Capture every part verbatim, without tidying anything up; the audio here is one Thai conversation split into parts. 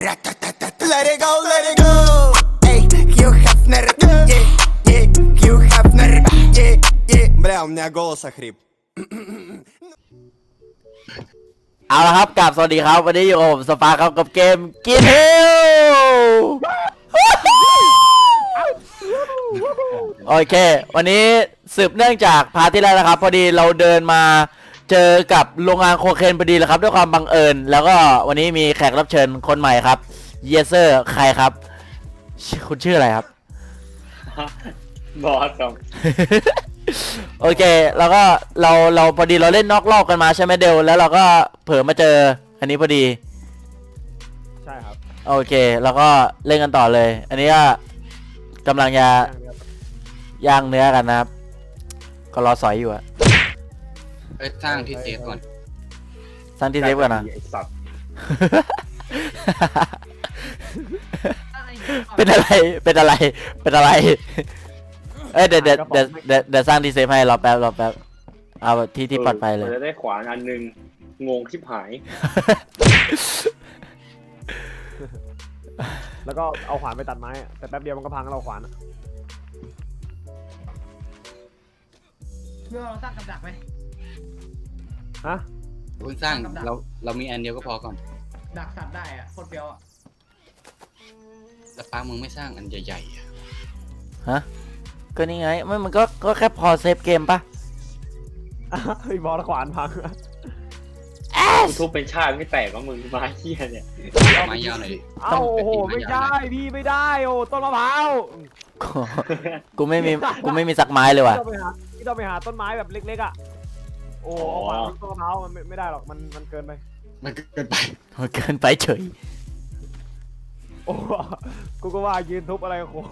Let it go, let it go. Ey, Hugh Hefner, yeah, yeah, Hugh Hefner, yeah, yeah. Бля, у меня голос охрип. เอาละครับกลับสวัสดีครับวันนี้อยู่กับผมสปาร์ครับกับเกมกินเฮลโอเควันนี้สืบเนื่องจากพาร์ทที่แล้วนะครับพอดีเราเดินมาเจอกับโรงงานโคเคนพอดีเลยครับด้วยความบังเอิญแล้วก็วันนี้มีแขกรับเชิญคนใหม่ครับเยเซอร์ใครครับคุณชื่ออะไรครับบอสครับโอเคแล้วก็เราเราพอดีเราเล่นนอกรอบกันมาใช่ไหมเดลแล้วเราก็เผลอมาเจออันนี้พอดีใช่ครับโอเคแล้วก็เล่นกันต่อเลยอันนี้ก็กำลังจะย่างเนื้อกันนะครับก็รอสอยอยู่อะเอ้ยสร้างที่เซฟก่อนสร้างที่เซฟก่อนนะไอ้สัตว์เป็นอะไรเป็นอะไรเป็นอะไรเอ้ยเดี๋ยวเดี๋ยวเดี๋ยวเดี๋ยวเดี๋ยวสร้างที่เซฟให้รอแป๊บรอแป๊บเอาที่ที่ปลอดภัยเลยมันจะได้ขวานอันหนึงงงชิบหายแล้วก็เอาขวานไปตัดไม้อะแต่แป๊บเดียวมันก็พังแล้วเราขวานอะเพื่อเราสร้างกับดักไหมฮะเพิ่งสร้างเราเรามีอันเดียวก็พอก่อนดักสัตว์ได้อะโคตรเปรี้ยวอะแต่ป้ามึงไม่สร้างอันใหญ่ๆอะฮะก็นี่ไงมันมันก็ก็แค่พอเซฟเกมปะไอ้บอสขวานพังอะกูทุบเป็นชาติไม่แตกว่ามึงมาเฮียเนี่ยเอาไม้ยาวหน่อยดิเอ้าโอ้โหไม่ได้พี่ไม่ได้โอ้ต้นมะพร้าวกูกูไม่มีกูไม่มีสักไม้เลยว่ะพี่ต้องไปหาพี่ต้องไปหาต้นไม้แบบเล็กๆอ่ะโอ้เอาขวานต้นมะพร้าวมันไม่ไม่ได้หรอกมันมันเกินไปมันเกินไปมันเกินไปเฉยโอ้กูก็ว่ายืนทุบอะไรโค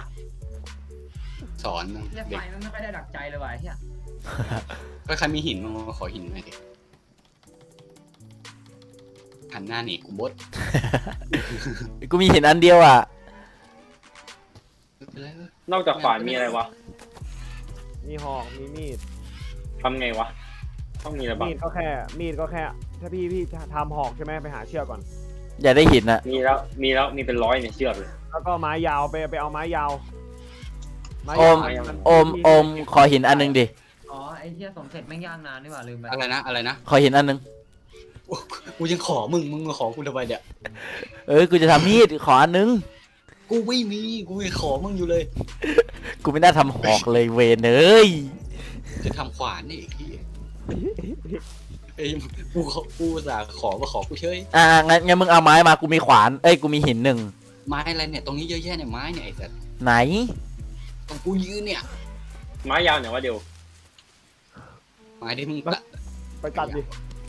สอนเฮียไฟเด็กมันไม่ค่อยได้ดักใจเลยว่ะเฮียก็ใครมีหินมึงมาขอหินหน่อยดิหันหน้าหนีกูบดกูมีเห็นอันเดียวอ่ะไปเลยนอกจากขวานมีอะไรวะมีหอกมีมีดทำไงวะต้องมีอะไรบ้างมีดก็แค่มีดก็แค่ถ้าพี่พี่จะทำหอกใช่ไหมไปหาเชือกก่อนอย่าได้หินอ่ะมีแล้วมีแล้วมีเป็นร้อยเนี่ยเชือกเลยแล้วก็ไม้ยาวไปไปเอาไม้ยาวไม้โอมยาวโอมโอมขอหินอันนึงดิอ๋อไอ้เฮียสมเสร็จแม่งย่างนานนี่หว่าลืมไปอะไรนะอะไรนะขอหินอันนึงโอ้กูยังขอมึงมึงมาขอกูทำไมเนี่ยเอ้ยกูจะทำมีดขออันนึงกูไม่มีกูยังขอมึงอยู่เลยกูไม่น่าทำหอกเลยเวนเอ้ยจะทำขวานนี่พี่เอ้ยกูขอกูอุตสาห์ขอมาขอกูเฉยอ่างั้นงั้นมึงเอาไม้มากูมีขวานเอ้ยกูมีหินหนึ่งไม้อะไรเนี่ยตรงนี้เยอะแยะเนี่ยไม้เนี่ยไอ้สัสไหนตรงกูยืนเนี่ยไม้ยาวเนี่ยวะเดียวไม้ที่มึงตัดไปตัดดิ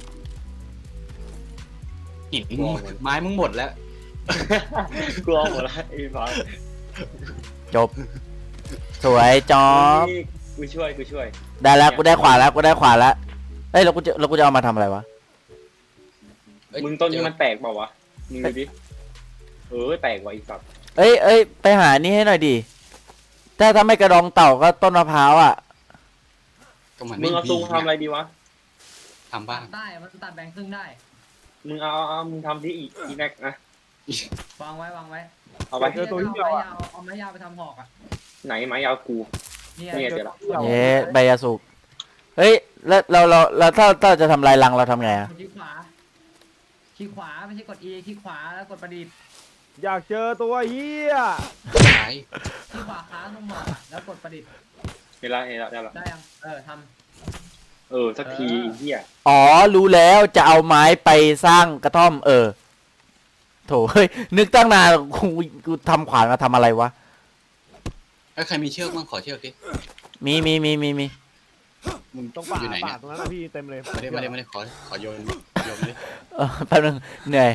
หินมึงไม้มึงหมดแล้วกลัวหมดละไอ้ฟ้าจบ สวยจอบกูช่วยกูช่วยได้แล้วกูได้ขวานแล้วกูได้ขวานแล้วเอ้ยแล้วกูจะแล้วกูจะเอามาทำอะไรวะเอ้ยมึงต้นนี้มันแตกเปล่าวะมึงดูดิเออแตกว่ะไอ้สัตว์เอ้ยเอ้ยไปหานี่ให้หน่อยดิถ้าถ้าไม่กระดองเต่าก็ต้นมะพร้าวอ่ะก็มันมึไม่งเอามีซุงทำอะไรดีวะทำบ้างได้มันตัดแบ่งครึ่งได้มึงเอาเอาเอามึงทำที่อีอีแม็กนะวางไว้วางไว้เอาไปเจอตัวที่เดีเดียยว วเอาอะไม้ยาวเอาไม้ยาวไปทำหอกอ่ะไหนไม้ยาวกูเนี่ยเนี่ยเดี๋ยวละเย้ใบยาสูบเฮ้ยแล้วเราเราเราถ้าถ้าจะทำลายรังเราทำไงอะกดที่ขวาที่ขวาไม่ใช่กด E ที่ขวาแล้วกดประดิษฐ์อยากเจอตัวเฮียขายที่ขวาค้างตรงหมอกอะแล้วกดประดิษฐ์เห็นละเห็นละได้ละได้ยังเออทเออสักทีไอ้เหี้ยอ๋อรู้แล้วจะเอาไม้ไปสร้างกระท่อมเออโถเฮ้ยนึกตั้งนานกูกูทำขวานมาทำอะไรวะเอ้ยใครมีเชือกบ้างขอเชือกดิมีมีมีมีมีมึงตรงป่าอยู่ไหนป่าเนี่ยตรงนั้นนะพี่เต็มเลยไม่ได้ไม่ได้ไม่ได้ขอขอโยนโยนเลยเออแป๊บนึงเหนื่อย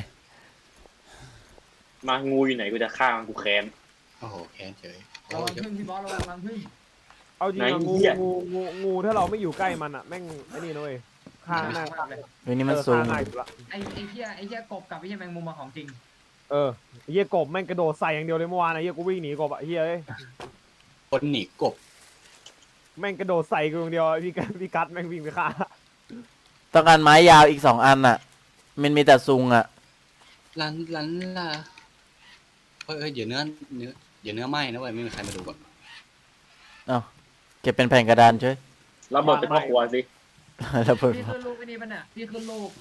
มางูอยู่ไหนกูจะฆ่ามันกูแค้นโอ้โหแค้นเฉยำโอ้ระวังเดี๋ยวพึ่งพี่บอสระวังรังพึ่งเอาจริงไหนอะงูเหี้ยงูงูงูถ้าเราไม่อยู่ใกล้มันอะแม่งไอ้นี่นะเว้ยฆ่าหน้าเฮ้ยนี่มันเออซูมฆ่าง่ายสุดละไอ้ไอ้เหี้ยไอ้เหี้ยกบกับไอ้เหี้ยแมงมุมมาของจริงเออเฮียกบแม่งกระโดดใส่อย่างเดียวเลยเมื่อวานนะเฮียกูวิ่งหนีกบอะเฮียเอ้ยคนหนีกบแม่งกระโดดใส่กูอย่างเดียวอะพี่กัดพี่กัดแม่งวิ่งไปฆ่าต้องการไม้ยาวอีกสองอันอ่ะ มันมีแต่ซุงอ่ะลันลันล่ะเฮ้ยเฮ้ยเดี๋ยวเนื้อเนื้อเดี๋ยวเนื้อไหม้นะเว้ยไม่มีใครมาดูก่อนเอาเก็บเป็นแผ่นกระดานช่วยรับบทเป็นพ่อครัวสิแล้วเพิ่มพี่ขึ้นรูปไปนี่ปะเนี่ยพี่ขึ้นรูป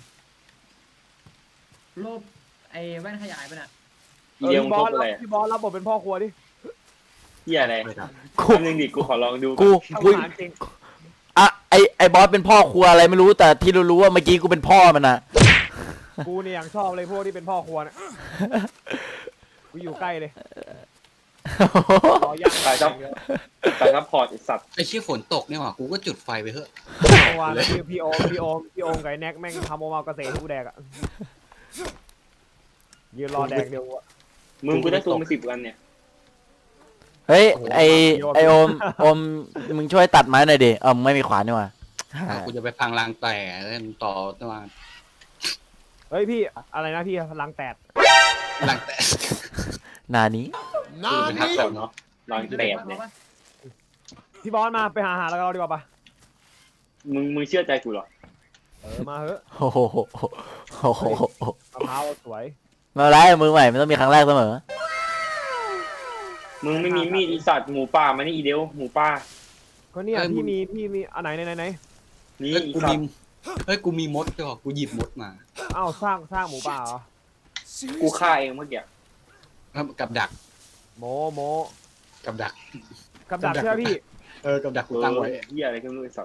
รูปไอ้แว่นขยายปะเนี่ยอีเดียวพี่มึงบทอบ สอะไรพี่บอสรับบทเป็นพ่อครัวดิเฮียอะไรไม่ทกูคำนึงดิกูขอลองดูกูทำกูอาหารจริงอะไอไอบอสเป็นพ่อครัวอะไรไม่รู้แต่ที่รู้ๆว่าเมื่อกี้กูเป็นพ่อมันนะกูเนี่ยอย่างชอบเลยพวกที่เป็นพ่อครัวเนี่ยกูอยู่ใกล้เลยรอย่างตายซับตายซับพอร์ตไอสัตว์ำไอ้เชี่ยฝนตกเนี่ยว่ะกูก็จุดไฟไปเถอะเมื่อวานพี่พี่โอมพี่โอมพี่โอมกับไอ้แน็กแม่งทำโอมาเกษตรให้กูแดกอ่ะยืนรอแดกเดียวอะมึงกูได้ตัวมาสิบวันเนี่ยเฮ้ยไอไอโอมโอมมึงช่วยตัดไม้หน่อยดิเออมึงไม่มีขวานนี่หว่าอ่ะกูจะไปพังรางแต่แล้วต่อตัวเฮ้ยพี่อะไรนะพี่ลังแตดรางแต่นานี้กูเป็นทักษะเนาะลองแปดเนี่ยพี่บอสมาไปหาอาหารแล้วเราดีกว่าปะมึงมึงเชื่อใจกูเหรอเออมาเถอะโอ้โหโอ้โหมะพร้าวสวยไมาไล่มือใหม่มันต้องมีครั้งแรกเสมอมึงไม่มีมีดอีสัตว์หมูป่ามานี่อีเดียวหมูป่าก็เนี่ยพี่มีพี่มีอันไหนไหนไหนไหนนี่เฮ้ยอีกูสัมีตว์เฮ้ยกูมีมดด้วยว่ะกูหยิบมดมาอ้าวสร้างสร้างหมูป่าเหรอกูฆ่าเองเมื่อกี้กับดักโมโมกับดักกับดักเชื่อพี่เออกับดักเอกูตั้งไว้อเฮียอะไรก็ไม่รู้ไอสัตว์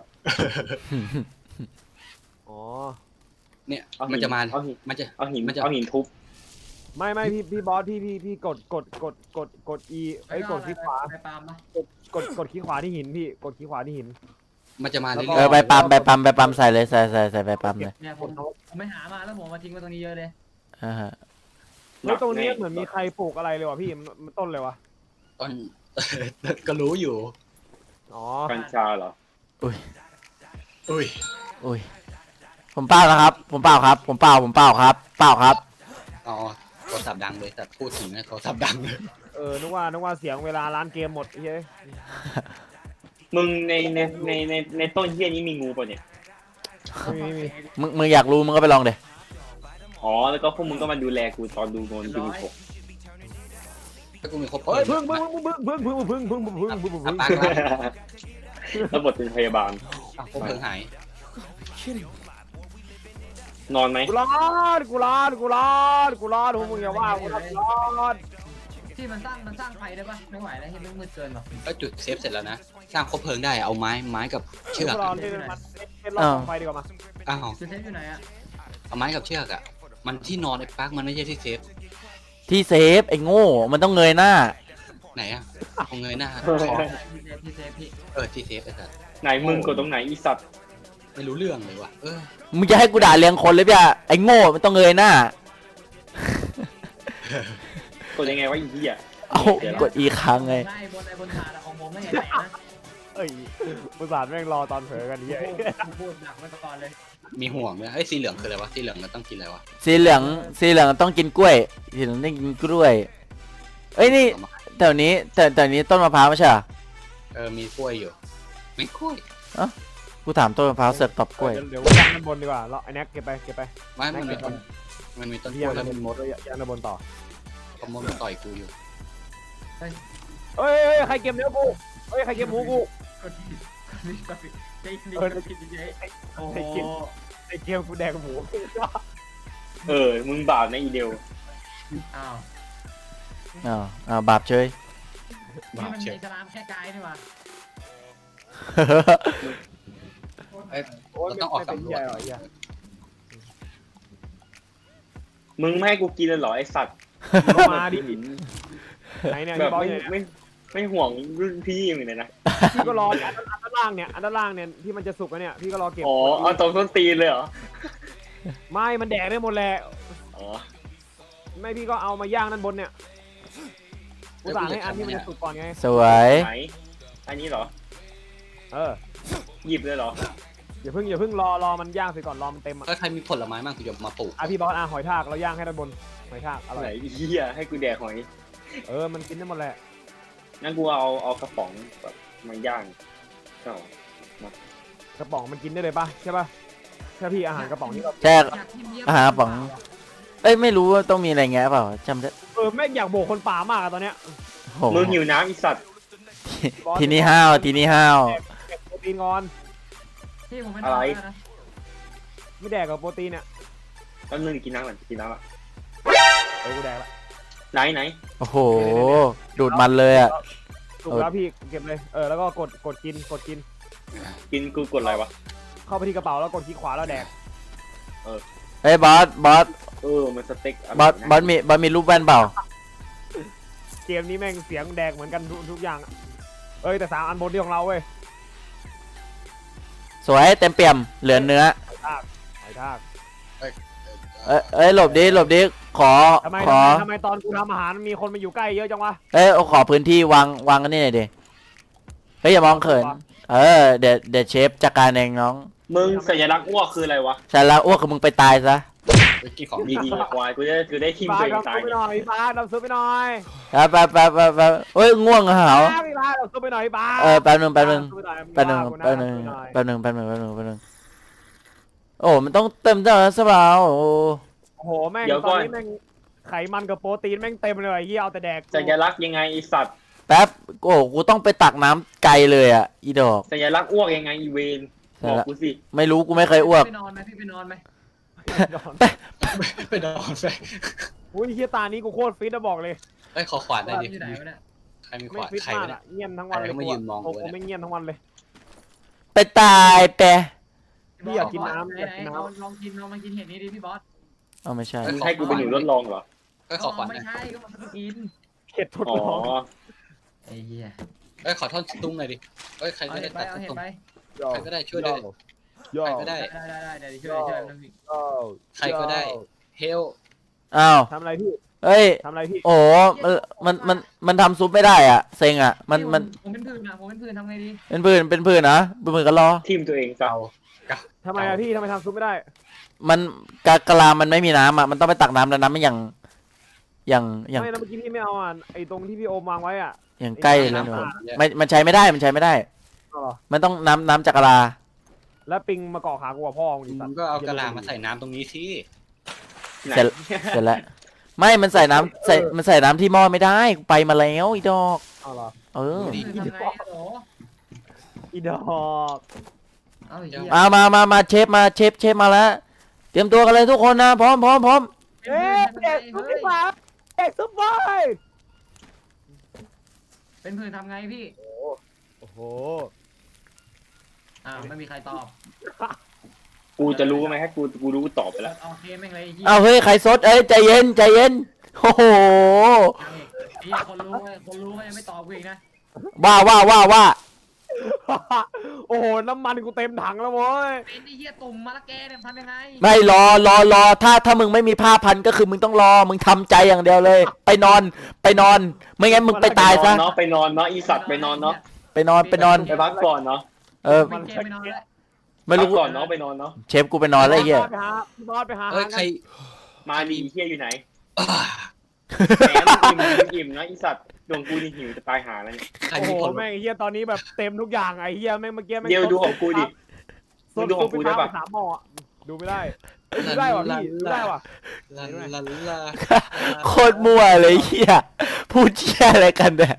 อ๋อเนี่ยเอาหิมันจะมาเอาหินมันจะเอาหินมันจะเอาหินทุบไม่ไม่พี่พี่บอสพี่พี่พี่กดกดกดกดกด E เอ้ยกดคลิกขวาไปปาล์มปะกดกดคลิกขวาที่หินพี่กดคลิกขวาที่หินมันจะมาแล้วเรื่ก็เออยอไปปั๊มไปปั๊มไปปั๊มใส่เลยใส่ใส่ใส่ไปปั๊มเลยเนี่ยผมผมไปหามาแล้วผมมาทิ้งไว้ตรงนี้เยอะเลยอ่าฮะเฮ้ยตรงนี้เหมือนมีใครปลูกอะไรเลยวะพี่มันมันต้นเลยวะๆตอน ก็รู้อยู่อ๋อกัญชาเหรออุ้ยอุ้ยอุ้ยผมเปล่านะครับ ผมเปล่าครับ ผมเปล่าผมเปล่าครับ เปล่าครับอ๋อโทรศัพท์ดังเลยแต่พูดถึงนะโทรศัพท์ดังเลยเออนึกว่านึกว่าเสียงเวลาร้านเกมหมดเฮ้ยมึงในในในในในต้นเฮียนี้มีงูป่ะเนี่ยไม่มีไม่มีมึงมึงอยากรู้มึงก็ไปลองเดอ๋อแล้วก็พวกมึงก็มาดูแลกูตอนดูโนนดูผมถ้ากูมีครบเฮ้ยพึ่งพึ่งพึ่งพึ่งพึ่งพึ่งพึ่งพึ่งพึ่งพึ่งพึ่งพึ่งอ่ะพึ่งปากละแล้วบทเป็นพยาบาลอ่ะครบเพลิงหายนอนไหมกูรอดกูรอดกูรอดกูรอดพวกมึงอย่าว่ากูรอดที่มันสร้างมันสร้างไฟได้ปะไม่ไหวแล้วที่มันมืดเกินหรอกก็จุดเซฟเสร็จแล้วนะ สร้างครบเพลิงได้เอาไม้ไม้กับเชือกกูรออะเล่นมันเล่นรอบไฟดีกว่ามาอ้าวคือเทปอยู่ไหนอะเอาไม้กับเชือกอะมันที่นอนไอ้ปักมันไม่ใช่ที่เซฟที่เซฟไอ้โง่มันต้องเงยหน้าไหนอะเอาเงยหน้าคอที่เทปที่เทปพี่เออที่เซฟไอ้สัสไหนมึงกดตรงไหนอีสัตว์ไม่รู้เรื่องเลยว่ะเออมึงจะให้กูด่าเลี้ยงคนเลยพี่อะไอ้โง่มันต้องเงยหน้ากดยังไงวะอีเหี้ยเอากดอีกครั้งไงได้บนไอ้บนถาดอะของผมไม่เห็นไหนนะเอ้ยประสาทแม่งรอตอนเผลอกันเฮ้ยพูดพูดหนักไว้ก่อนเลยมีห่วงเนี่ยเฮ้ยสีเหลืองคืออะไรวะสีเหลืองมันต้องกินอะไรวะสีเหลืองสีเหลืองต้องกินกล้วยสีเหลืองต้องกินกล้วยเอ้ยนี่แถวนี้แต่แต่นี้ต้นมะพร้าวไม่ใช่เหรอเออมีกล้วยอยู่ไม่กล้วยกูถามต้นมะพร้าวเสือกตอบกล้วยเดี๋ยวย่างด้านบนดีกว่าเราไอ้แน็กเก็บไปเก็บไปไม่มันมีต้นมันมีต้นกล้ย่างวยแล้ด้าวนบมีนมดย่างด้านบนต่อขโมยมันต่อยกูอยู่เฮ้ยใครเก็บเนื้อกูเฮ้ยใครเก็บหมูกูกดผิดกดผิดกดผิดใจดีเออกดผิดเฉยๆโอ้โหไอ้เกมกูแดกหมูเออมึงบาปนะอีเดียวอ้าวอ้าวอ้าวบาปเฉยนี่มันมีสลามแค่กายนี่หว่าเอ้ยโอ้ยเราต้องออกไม่เป็นสำรวใหญ่จหรอเหี้ยมึงไม่ให้กูกินเลยเหรอไอสัตว์มาดิไหนเนี่ยแบบพี่บอสไม่เนี่ยไม่ไม่ห่วงรุ่นพี่อย่างเลยนะพี่ก็รออันด้านล่างเนี่ยอันด้านล่างเนี่ยที่มันจะสุกแล้วเนี่ยพี่ก็รอเก็บอ๋อเอาตรงต้นตีนเลยเหรอไม่มันแดกได้หมดแหละอ๋อไม่พี่ก็เอามาย่างด้านบนเนี่ยกูสั่งให้อันที่มันจะสุกก่อนไงสวยไหนอันนี้เหรอเออหยิบเลยเหรออย่าเพิ่งอย่าเพิ่งรอรอมันย่างเสร็จก่อนรอมันเต็มอ่ะถ้าใครมีผลไม้บ้างกูจะมาปลูกอ่ะพี่บอสอ่ะหอยทากเราย่างให้ด้านบนหอยทากอร่อไหนยอีเหี้ยให้กูแดกหอยเออมันกินได้หมดแหละงั้นกูเอาเอากระป๋องแบบมาย่างเอากระป๋องมันกินได้เลยป่ะใช่ป่ะใช่พี่อาหารกระป๋องนี่ก็แช่อยากกินเยี่ยมอาหารกระป๋อง เอ้ยไม่รู้ว่าต้องมีอะไรแงะเปล่าจำได้เออแม่งอยากโบกคนป่ามากอะตอนเนี้ยโอ้โหมึงหิวน้ำอีสัตว์ทีนี้ห้าวทีนี้ห้าวแดกโปรตีนงอนพี่ผมไม่นอนแล้วนะไม่แดกกับโปรตีนเนี่ยแป๊บนึงกินน้ำก่อนกินน้ำอ่ะเออกูแดกละไหนไหนโอ้โหดูดมันเลยอ่ะถูกแล้วพี่เก็บเลยเออแล้วก็กดกดกินกดกินกินกูกดอะไรวะเข้าไปที่กระเป๋าแล้วกดคลิกขวาแล้วแดกเฮ้ยบอสบอสเออมันสเต็กะไรบอสนะบอสมีบอสมีรูปแว่นเปล่าเกมนี้แม่งเสียงแดกเหมือนกันทุกทุกอย่างอะเอ้ยแต่สามอันบนที่ของเราเว้ยสวยเต็มเปี่ยมเหลือเนื้อไอ้ทากไอ้ทากเอ้ยเอ้ยหลบดิหลบดิขอทำไมขอทำไมทำไมตอนกูทำอาหารมีคนมาอยู่ใกล้เยอะจังวะเอ้ยเอาขอพื้นที่วางวางกันนี่หน่อยดิเฮ้ยอย่ามองเขินเออเดี๋ยวเดี๋ยวเชฟจัดการเองน้องมึงสัญลักษณ์อ้วกคืออะไรวะฉันละอ้วกคือมึงไปตายซะไปกินของดีดีควายกูจะกูได้ทิมฟ้าตัวเองดำตาซุยปไปหน่อยฟ้าดำซุปไปหน่อยไปไปไปไปไปเฮ้ยง่วงเหรอฟ้าพี่ฟ้าดำซุปไปหน่อยฟ้าเออแป๊บนึงแป๊บนึงดำซุปไปหน่อยแป๊บนึงว่ากูะแป๊บนึงดำซุปไปหน่อยแป๊บนึงแป๊บนึงแป๊บนึงแป๊บนึงโอ้มันต้องเต็มเท่านั้นสบายโอ้โอ้โหแม่งตอนนี้แม่งไขมันกับโปรตีนแม่งเต็มเลยเฮียเอาแต่แดกสัญลักษณ์ยังไงอีสัตว์แป๊บโอ้กูต้องไปตักน้ำไกลเลยอ่ะอีดอกสัญลักษณ์อ้วกยังไงอีเวนบอกกูสิไม่รู้กูไม่เคยอ้วกไปนอนไหมพี่ไปนอนไหมไปนอนไปอุ้ยเฮียตานี้กูโคตรฟิตนะบอกเลยไอ้ยขอขวานหน่อยดิอยู่ไหนวะเนี่ยใครมีขไม่วานฟิตใครมากวะเนี่ยอะเงียบทั้งวันเลยใครเขามายืนมองกูกูเนี่ยไม่เงียบทั้งวันเลยไปตายแปะพี่อยากกินน้ำไหนอยากไหนกินน้ลองลองกินลองมากินเห็ดนี้ดิพี่บอสเอาไม่ใช่มึงให้กูเป็นหนูทดลองเหรอเอ้ยขอขวานหไม่น่อยใช่ก็มากินำเข็ดทดอ๋อลองไอ้เหี้ยเอ้ยขอท่อนตุ้งหน่อยดิเอ้ยใครเอาก็เห็ได้ดไปตัดเอาเห็ดตุ้งไปใครก็ได้ช่วยด้วยใครก็ได้ได้ได้ได้เดี๋ยวช่วยช่วยน้ำพริกใครก็ได้เฮลอ้าวทำอะไรพี่เอ้ยทำอะไรพี่โอ้มันมันมันมันทำซุปไม่ได้อ่ะเซ็งอ่ะมันมันผมเป็นพื้นนะผมเป็นพื้นทำไงดีเป็นพื้นเป็นพื้นนะเป็นพื้นก็รอทิมตัวเองซะเก่าเก่าทำไมอะพี่ทำไมทำซุปไม่ได้มันกากะลามันไม่มีน้ำอ่ะมันต้องไปตักน้ำแล้วน้ำมันอย่างอย่างอย่างไม่แล้วเมื่อกี้พี่ไม่เอาอ่ะไอ้ตรงที่พี่โอมวางไว้อ่ะอย่างใกล้เลยหนูน้ำอ่ะไม่มันใช้ไม่ได้มันใช้ไม่ได้เอาเหรอมันต้องน้ำน้ำจากกะลาแล้วปิงมาเกาะขากูกับพ่อมึงดิมึสัตงว์ก็เอากระลามาใส่น้ำตรงนี้สิไหนเสร็จเสร็จแล้วไม่มันใส่น้ำใส่มันใส่น้ำที่หม้อไม่ได้กูไปมาแล้วอีดอกเอาเหรอเออพื้นทำไงโอ้อีดอกเอาไอ้เหี้ยมามามามาเชฟมาเชฟเชฟมาแล้วเตรียมตัวกันเลยทุกคนนะพร้อมพร้อมพร้อมเอ๊ะเด็กซุปดีกว่าเด็กซุปบอยเป็นพื้นทำไงพี่โอ้โหอ้าวไม่มีใครตอบกูจะรู้ไหมฮะกูกูรู้กูตอบไปแล้วโอเคแม่งเลยไอ้เหี้ยเอาเฮ้ยใครซดเอ้ยใจเย็นใจเย็นโอ้โหไอ้เหี้ยคนรู้ไงคนรู้ก็ยังไม่ตอบกูอีกนะว่าว่าว่าว่าโอ้โหน้ำมันกูเต็มถังแล้วโว้ยเป็นไอ้เหี้ยตุ่มมะละแกเนี่ยทำยังไงไม่รอรอรอถ้าถ้ามึงไม่มีผ้าพันก็คือมึงต้องรอมึงทำใจอย่างเดียวเลย ไปนอนไปนอน ไม่งั้นมึงไปตายไปนอซะนเนาะไปนอนเนาะอีสัตว์ไปนอนเนาะไปนอนไปนอนไปพักก่อนเนาะเออมันเกมไปนอนแล้วไม่พัรู้กก่อนเนาะไปนอนเนาะเชฟกูไปนอนแล้วไอ้เหี้ยไปหาพี่บอสไปหาเอ้ยใครมาดีเฮียอยู่ไหนอ่าแหมมึงอิ่มมึงอิ่มนะอีสัตว์ดวงกูนี่หิวจะตายหาแล้วเนี่ยใครโอ้มีโหคนแม่งไอ้เฮียตอนนี้แบบเต็มทุกอย่างไอ้เฮียแม่งเมื่อกี้แม่งเดี๋ยวดูของกูดิซุปดูของกูได้ปะซุปปสามหม้ออะดูไม่ได้เอ้ยดูได้ว่ะพี่ดูได้ว่ะลาลาลาโคตรมั่วเลยไอ้เหี้ยพูดเชี่ยอะไรกันเนี่ย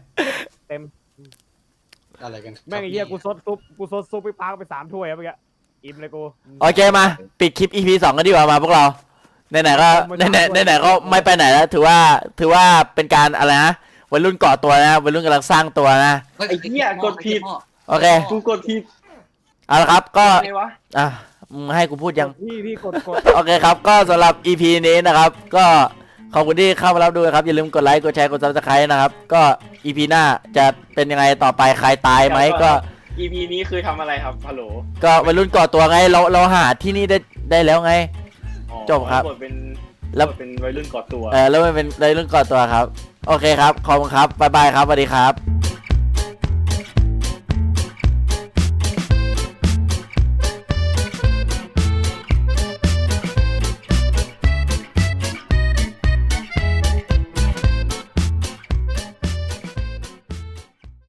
อะไรกันแม่งไอ้เฮียกูซดซุปกูซดซุปไปปาไปสามถ้วยอะเมื่อกี้อิ่มเลยกูโอเคมาปิดคลิป อี พี สองกันดีกว่ามาพวกเราไหนๆก็ไหนๆไหนๆก็ไม่ไปไหนแล้วถือว่าถือว่าเป็นการอะไรนะวัยรุ่นก่อตัวนะวัยรุ่นกำลังสร้างตัวนะฮ้ไอ้เหี้ยกดผิดโอเคกูกดผิดเอาละครับก็ไงวะอ่ะมึงให้กูพูดยังพี่พี่กดกดโอเคครับก็สำหรับ อี พี นี้นะครับ ก็ขอบคุณที่เข้ามารับดูนะครับอย่าลืมกดไลค์กดแชร์กด ซับสไครบ์ นะครับก็ อี พี หน้าจะเป็นยังไงต่อไปใครตายไหมก็อี พี นี้คือทำอะไรครับฮัลโหลก็วัยรุ่นก่อตัวไงเราเราหาที่นี่ได้ได้แล้วไงอ๋อจบครับกดเป็นแล้วกดเป็นวัยรุ่นก่อตัวเออแล้วมันเป็นวัยรุ่นก่อตัวครับโอเคครับขอบคุณครับบ๊ายบายครับสวัสดีครับ